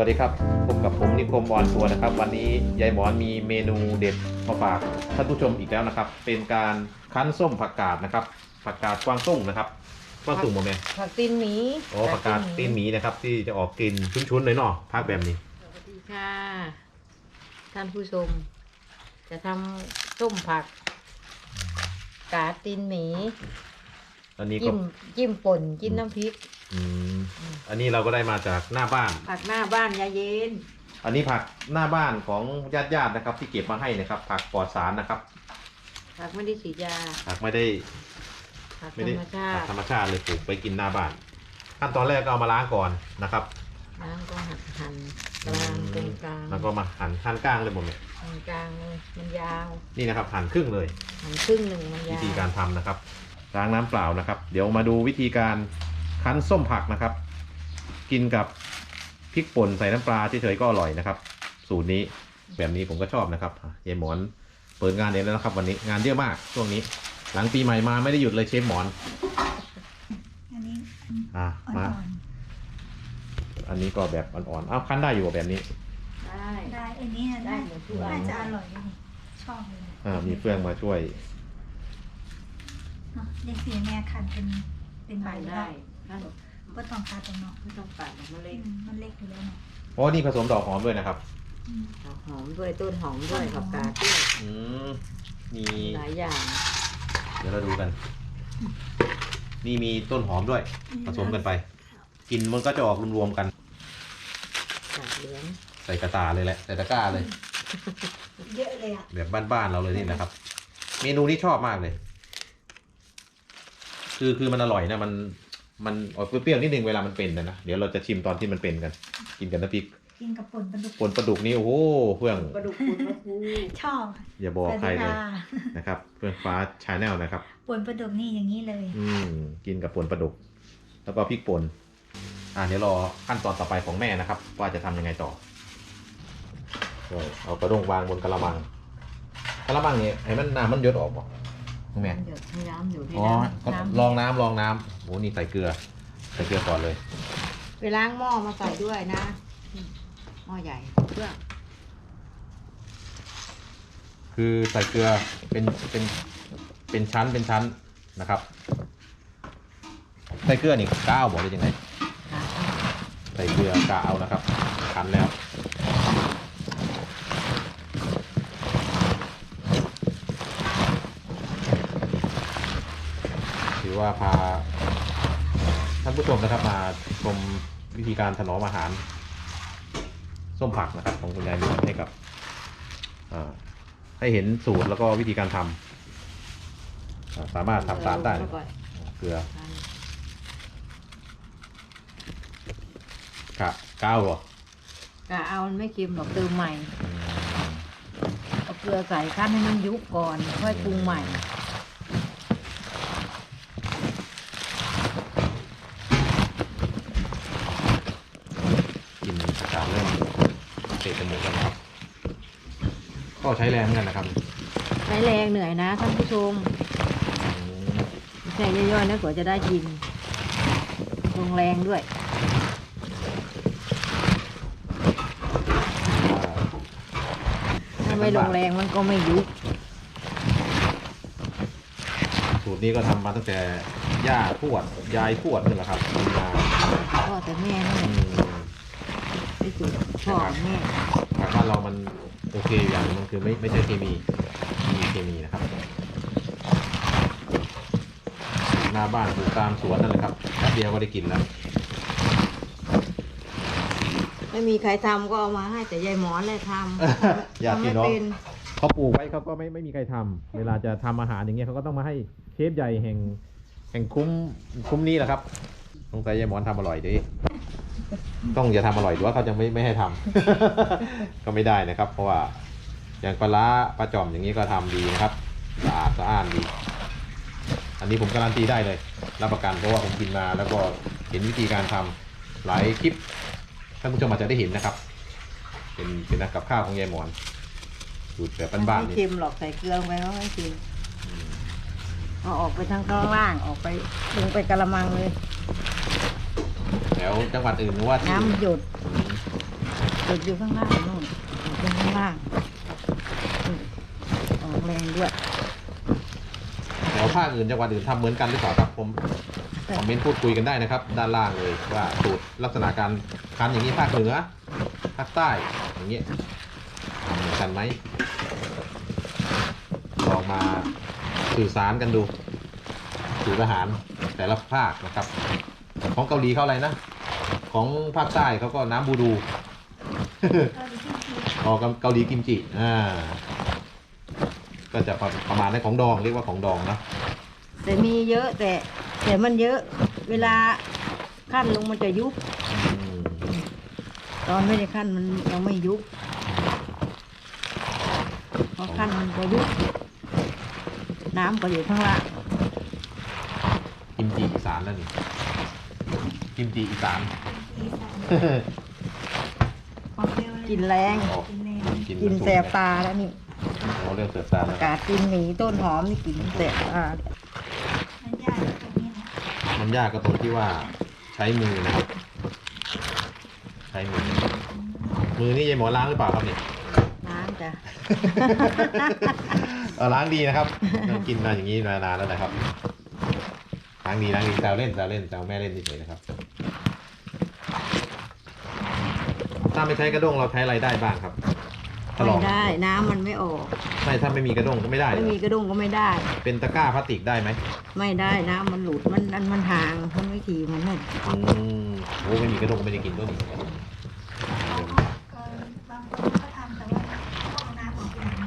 วัสดีครับพบกับผมนิคมออนทัวร์นะครับวันนี้ยายหมอนมีเมนูเด็ดมาฝากท่านผู้ชมอีกแล้วนะครับเป็นการคั้นส้มผักกาดนะครับผักกาดกวางตุ้งนะครับกวางตุ้งโมเมนผักตีนหมีโอ้ผักกาดตีนหมีนะครับที่จะออกกลิ่นชุนๆเลยเนาะภาคแบบนี้สวัสดีค่ะ ท่านผู้ชม จะทำส้มผักกาดตีนหมีอันนี้ก็จิ้มป่นจิ้มน้ำพริกอืมอันนี้เราก็ได้มาจากหน้าบ้านผักหน้าบ้านยาเย็นอันนี้ผักหน้าบ้านของญาติๆนะครับที่เก็บมาให้นะครับผักปลอดสารนะครับผักไม่ได้ฉีดยาผักไม่ได้ผักธไม่รได้รมชาผักติธรรมชาติเลยปลูกไปกินหน้าบ้านขั้นตอนแรกก็เอามาล้างก่อนนะครับน้ำก็หั่นกลางตรงกลางแล้วก็มาหั่นขั้นกลางเลยหมดเลยตรงกลางเลยมันยาวนี่นะครับหั่นครึ่งเลยหั่นครึ่งหนึ่งมันวิยาวธีการทำนะครับล้างน้ำเปล่านะครับ เดี๋ยวมาดูวิธีการคั้นส้มผักนะครับ กินกับพริกป่นใส่น้ำปลาเฉยๆก็อร่อยนะครับ สูตรนี้แบบนี้ผมก็ชอบนะครับยายหมอนเปิดงานเองแล้วนะครับ วันนี้งานเยอะมากช่วงนี้ หลังปีใหม่มาไม่ได้หยุดเลยเชฟหมอนอันนี้อ่ะอ่มาอนอันนี้ก็แบบอ่อนๆอ้าวคั้นได้อยู่แบบนี้ได้ๆได้อันนี้ได้น่าหมดทุกอันน่าจะอร่อยเลยชอบเลยมีเฟื่องมาช่วยเนาะเด็กสีแม่คันเป็นใบได้ได้ถ้าก็ต้องคัดตรงเนาะไม่ต้องปัดมันเล็กมันเล็กอยู่แล้วเนาะเพราะว่านี่ผสมดอกหอมด้วยนะครับอืมหอมด้วยต้นหอมด้วยผักกาดด้วยอืมมีหลายอย่างเดี๋ยวเราดูกัน นี่มีต้นหอมด้วย ผสมกันไป กินมันก็จะออกรวมๆกันกาดเหลืองใส่กระตาเลยแหละ ใส่ตะกร้าเลยเยอะเลยอ่ะแบบบ้านๆเราเลยนี่นะครับ เมนูนี้ชอบมากเลย คือมันอร่อยนะ มันออกเปรี้ยวๆนิดนึงเวลามันเป็นนะ เดี๋ยวเราจะชิมตอนที่มันเป็นกัน กินกันน้ำพริกกินกับป่นปลาดุกป่นปลาดุกนี่โอ้โหเพื่องปลาดุกคุณปลาทูชอบอย่าบอกใครเลยสวัสดีค่ะนะครับ เพื่องฟ้าชาแนลนะครับป่นปลาดุกนี่อย่างนี้เลยกินกับป่นปลาดุก แล้วก็พริกป่นเดี๋ยวรอขั้นตอนต่อไปของแม่นะครับ ว่าจะทำยังไงต่อเอากระด้งวางบนกระมังเนี่ยให้มันน้ำมันหยดออกบอกแม่หยดให้น้ำอยู่ให้อ๋อน้ำก็น้ำลองน้ำโอ้นี่ใส่เกลือก่อนเลยไปล้างหม้อมาใส่ด้วยนะหม้อใหญ่เพื่อคือใส่เกลือเป็นชั้นนะครับ ใส่เกลือนี่ก้าวบอกได้ยังไงหาใส่เกลือกะเอานะครับคั้นแล้วถือว่าพาท่านผู้ชมนะครับมาชมวิธีการถนอมอาหาร ส้มผักนะครับของคุณยายนวลให้กับให้เห็นสูตรแล้วก็วิธีการทำสามารถทำตามได้เข้าปเกลือ ก้าวเหรอกะเอามันไม่เค็มหรอกเติมใหม่เอาเกลือใส่ขั้นให้มันยุบก่อนค่อยปรุงใหม่กินอากาศเริ่มเตะจมูกแล้วนะครับก็ใช้แรงเหมือนกันนะครับใช้แรงเหนื่อยนะท่านผู้ชมไม่ใช่ย่อยๆนะกว่าจะได้กินลงแรงด้วยถ้าไม่ลงแรงมันก็ไม่ยุบสูตรนี้ก็ทำมาตั้งแต่ย่าทวดยายทวดนี่แหละครับมาพ่อแต่แม่นี่อืมที่สุดพ่อกับแม่ผักบ้านเรามันโอเคอย่างหนึงมันคือไม่ใช่เคมีนะครับหน้าบ้านปลูกตามสวนนั่นแหละครับแป๊บเดียวก็ได้กินแล้วไม่มีใครทำก็เอามาให้แต่ยายหมอนเลยทำอยากทำกิไม่นเนาะเป็นเขาปลูกไว้เขาก็ไม่มีใครทำเวลาจะทำอาหารอย่างเงี้ยเขาก็ต้องมาให้เชฟใหญ่แห่งคุ้มนี้แหละครับสงสัยยายหมอนทำอร่อยดิต้องอย่าทำอร่อยหรือว่าเขาจะไม่ให้ทำ ก็ไม่ได้นะครับ เพราะว่าอย่างปลาร้าปลาจ่อมอย่างนี้ก็ทำดีนะครับสะอาดดี อันนี้ผมการันตีได้เลยรับประกันเพราะว่าผมกินมาแล้วก็เห็นวิธีการทำหลายคลิปท่านผู้ชมอาจจะได้เห็นนะครับเป็นนักกับข้าวของยายหมอนสูตรแบบบ้านๆไม่นี่เค็มหรอกใส่เกลือลงไปก็ไม่เค็มเอาออกไปทางข้างล่างออกไปลงไปกระมังเลยแถวจังหวัดอื่นหรือว่าที่อื่นน้ำหยดจุดอยู่ข้างล่างนู่นเป็นข้างล่างออกแรงด้วยแล้วภาคอื่นจังหวัดอื่นทำเหมือนกันหรือเปล่าครับผมคอมเมนต์พูดคุยกันได้นะครับ ด้านล่างเลยว่าสูตรลักษณะการคั้นอย่างนี้ภาคเหนือภาคใต้อย่างเงี้ยทำเหมือนกันไหมลองมาสื่อสารกันดูสูตรอาหารแต่ละภาคนะครับของเกาหลีเขาอะไรนะของภาคใต้เขาก็น้ำบูดู อ๋อเกาหลีกิมจิก็จะประมาณนั้นของดองเรียกว่าของดองนะแต่มีเยอะแต่มันเยอะ เวลาขั้นลงมันจะยุบ ตอนไม่ได้ขั้นมันยังไม่ยุบพอขั้นมันก็ยุบน้ำก็อยู่ข้างล่างกิมจิอีสานแล้วนี่กิมจิอีสานกินแรง กินแสบตาแล้วนี่เราเรื่องเสือซาปแล้วระกาศกินหมีต้นหอมนี่กินแสบตามันยากก็ตรงที่ว่าใช้มือนะครับใช้มือนี่ยายหมอล้างหรือเปล่าครับเนี่ยล้างจ้ะล้างดีนะครับกินมาอย่างนี้มานานแล้วนะครับล้างดีแซวเล่นแซวแม่เล่นเฉยๆนะครับถ้าไม่ใช้กระด้งเราใช้อะไรได้บ้างครับไม่ได้น้ำมันไม่ออกไม่ถ้าไม่มีกระด้งก็ไม่ได้ไม่มีกระดุมก็ไม่ได้เป็นตะกร้าพลาสติกได้ไหมไม่ได้น้ำมันหลุดมันห่างมันไม่ถี่มันนั่นโอ้ไม่มีกระด้งก็ไม่ได้กินด้วยนี่บางคนก็ทำแต่ว่าเอาน้ำออกไปนะ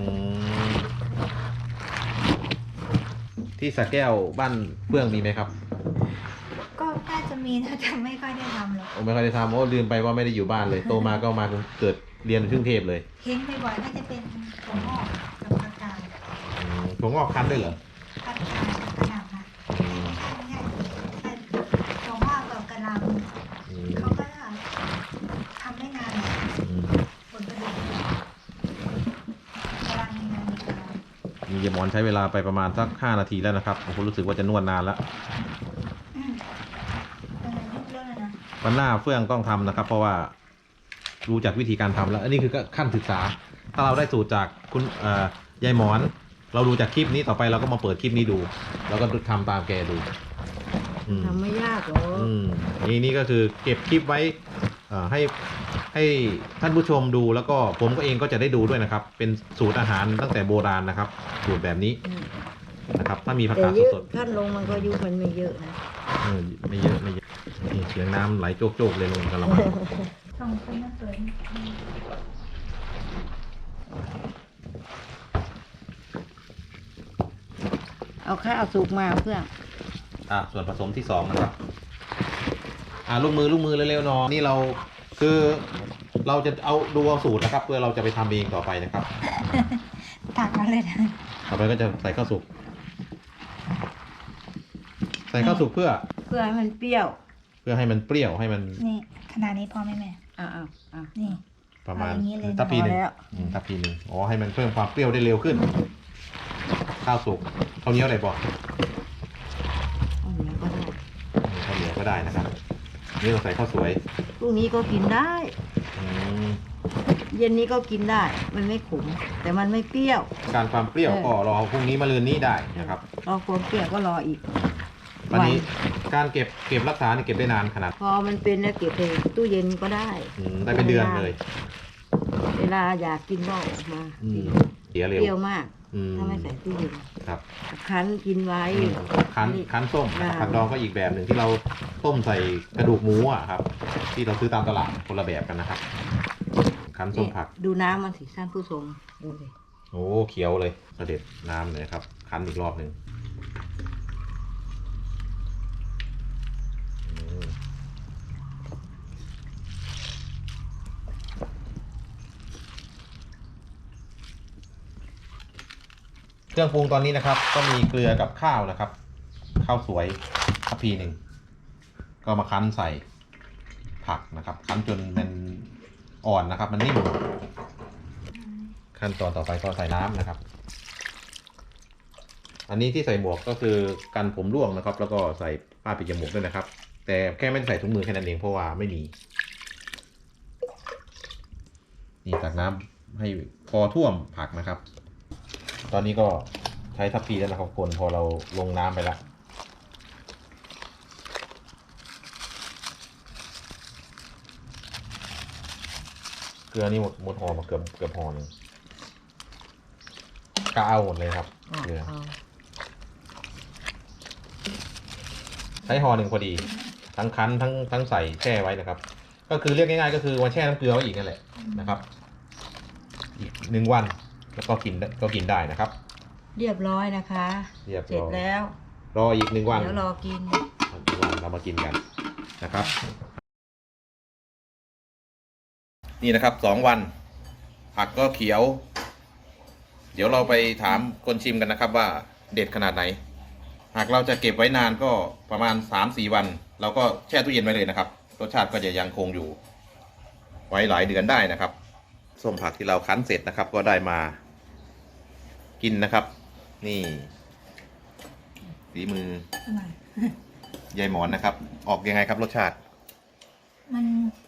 ที่สระแก้วบ้านเฟื่องมีไหมครับก็น่าจะมีนะแต่ไม่ค่อยได้ทำหรอกโอ้ไม่ค่อยได้ทำโอ้ลืมไปว่าไม่ได้อยู่บ้านเลย โตมาก็มาเกิดเรียนที่กรุงเทพเลยเห็นบ่อยๆน่าจะเป็นถั่วงอกกับผักกาดถั่วงอกคั้นด้วยเหรอผักกาดกระหล่ำค่ะไม่ใช่ถั่วงอกกับกระหล่ำเขาก็ทำไม่นานผลผลิตกำลังมีงานมีการมีเยายหมอนใช้เวลาไปประมาณสัก5 นาทีแล้วนะครับผมรู้สึกว่าจะนวดนานแล้วยุบเรื่องเลยนะวันหน้าเฟื่องต้องทำนะครับ เพราะว่ารู้จักวิธีการทำแล้ว อันนี้คือขั้นศึกษา ถ้าเราได้สูตรจากคุณยายหมอน เราดูจากคลิปนี้ต่อไปเราก็มาเปิดคลิปนี้ดู แล้วก็ทำตามแกดูทำไม่ยากหรอกนี่ก็คือเก็บคลิปไว้ให้ท่านผู้ชมดูแล้วก็ผมก็เองก็จะได้ดูด้วยนะครับ เป็นสูตรอาหารตั้งแต่โบราณนะครับ สูตรแบบนี้นะครับ ถ้ามีผักแต่กาดเยอะสดขั้นลงมันก็ยุบมันไม่เยอะนะไม่เยอะนี่เสียงน้ำไหลโจกๆเลยลงกระมังส่งคนมาเปิดเอาข้าวสุกมาเพื่อนส่วนผสมที่2นะครับลูกมือเร็วๆหนอนี่เราคือเราจะเอาสูตรนะครับ เพื่อเราจะไปทำเองต่อไปนะครับตักมาเลยนะต่อไปก็จะใส่ข้าวสุกเพื่อให้มันเปรี้ยวให้มันเปรี้ยวให้มันนี่ขนาดนี้พอไหมแม่อ้าวนี่ประมาณเอาอย่างนี้เลยทัพพีหนึ่งพอแล้วทัพพีหนึ่งให้มันเพิ่มความเปรี้ยวได้เร็วขึ้น ข้าวสุกข้าวเหนียวอะไรบอกเอาเนี้ยก็ได้ข้าวเหนียวก็ได้นะครับนี่เราใส่ข้าวสวยพรุ่งนี้ก็กินได้อืมเย็นนี้ก็กินได้ มันไม่ขม แต่มันไม่เปรี้ยวการความเปรี้ยวก็รอพรุ่งนี้มะรืนนี้ได้นะครับรอความเปรี้ยวก็รออีกวันนี้การเก็บรักษานี่เก็บได้นานขนาดพอมันเป็นแล้วเก็บในตู้เย็นก็ได้ได้เป็นเดือนเลยเวลาอยากกินก็ออกมากินเสียเปเร็วรี้ยวมาก ถ้าไม่ใส่ตู้เย็นครับคั้นกินไว้คั้นส้มผัดดองก็อีกแบบหนึ่งที่เราต้มใส่กระดูกหมูอ่ะครับ ที่เราซื้อตามตลาดคนละแบบกันนะครับคั้นส้มผักดูน้ำมันสิท่านผู้ชมดูสิโอ้เขียวเลยเสด็จน้ำเลยครับคั้นอีกรอบหนึ่งเครื่องปรุงตอนนี้นะครับ ก็มีเกลือกับข้าวนะครับข้าวสวยทัพพีหนึ่งก็มาคั้นใส่ผักนะครับ คั้นจนมันอ่อนนะครับ มันนิ่มขั้นตอนต่อไปก็ใส่น้ำนะครับ อันนี้ที่ใส่หมวกก็คือกันผมร่วงนะครับ แล้วก็ใส่ผ้าปิดจมูกด้วยนะครับ แต่แค่ไม่ได้ใส่ถุงมือแค่นั้นเองเพราะว่าไม่มีนี่ตักน้ำให้พอท่วมผักนะครับ ตอนนี้ก็ใช้ทัพพีแล้วนะครับคนพอเราลงน้ำไปแล้วเกลือนี่หมดห่อมาเกือบห่อหนึ่งก็เอาหมดเลยครับเกลือใช้ห่อหนึ่งพอดีทั้งคั้นทั้งใส่แช่ไว้นะครับ ก็คือเรียกง่ายๆก็คือวันแช่น้ำเกลือไว้อีกนั่นแหละนะครับ อีก1 วันแล้วก็กินได้นะครับเรียบร้อยนะคะเรียบเสร็ร้จอยแล้วรออีก1 วันเดี๋ยวรอกินเรามากินกันนะครับ นี่นะครับ2 วัน ผักก็เขียว เดี๋ยวเราไปถามคนชิมกันนะครับว่าเด็ดขนาดไหน หากเราจะเก็บไว้นานก็ประมาณ 3-4 วัน เราก็แช่ตู้เย็นไว้เลยนะครับ รสชาติก็จะยังคงอยู่ ไว้หลายเดือนได้นะครับ ส้มผักที่เราคั้นเสร็จนะครับ ก็ได้มากินนะครับ นี่ฝีมืออร่อยยายหมอนนะครับ ออกยังไงครับรสชาติมัน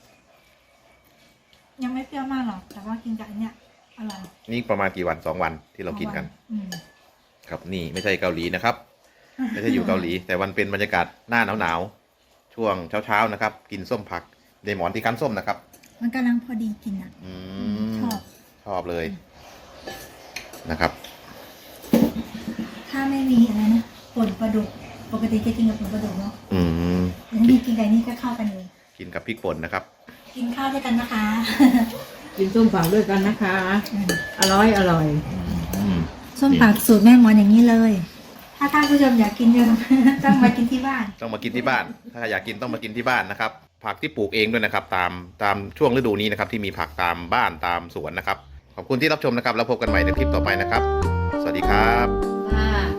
ยังไม่เปรี้ยวมากหรอก แต่ว่ากินกับอันเนี้ยอร่อยนี่ประมาณกี่วัน2 วันที่เรากินกันอืมครับนี่ไม่ใช่เกาหลีนะครับ ไม่ใช่อยู่เกาหลี แต่วันเป็นบรรยากาศหน้าหนาวๆช่วงเช้าๆนะครับ กินส้มผักยายหมอนที่คั้นส้มนะครับมันกำลังพอดีกินอ่ะอืชมอบชอบเลยนะครับถ้าไม่มีอะไรนะป่นปลาดุก ปกติจะกินกับป่นปลาดุกเนาะอืมแล้วนี่กินไก่นี่ก็เข้ากันเลยกินกับพริกป่นนะครับกินข้าวด้วยกันนะคะกินส้มผักด้วยกันนะคะ อร่อยอืมส้มผักสูตรแม่หมอนอย่างนี้เลย ถ้าท่านผู้ชมอยากกินก็ ต้องมากินที่บ้านต้องมากินที่บ้าน ถ้าอยากกินต้องมากินที่บ้านนะครับ ผักที่ปลูกเองด้วยนะครับ ตามช่วงฤดูนี้นะครับ ที่มีผักตามบ้านตามสวนนะครับ ขอบคุณที่รับชมนะครับ แล้วพบกันใหม่ในคลิปต่อไปนะครับ สวัสดีครับค่ะ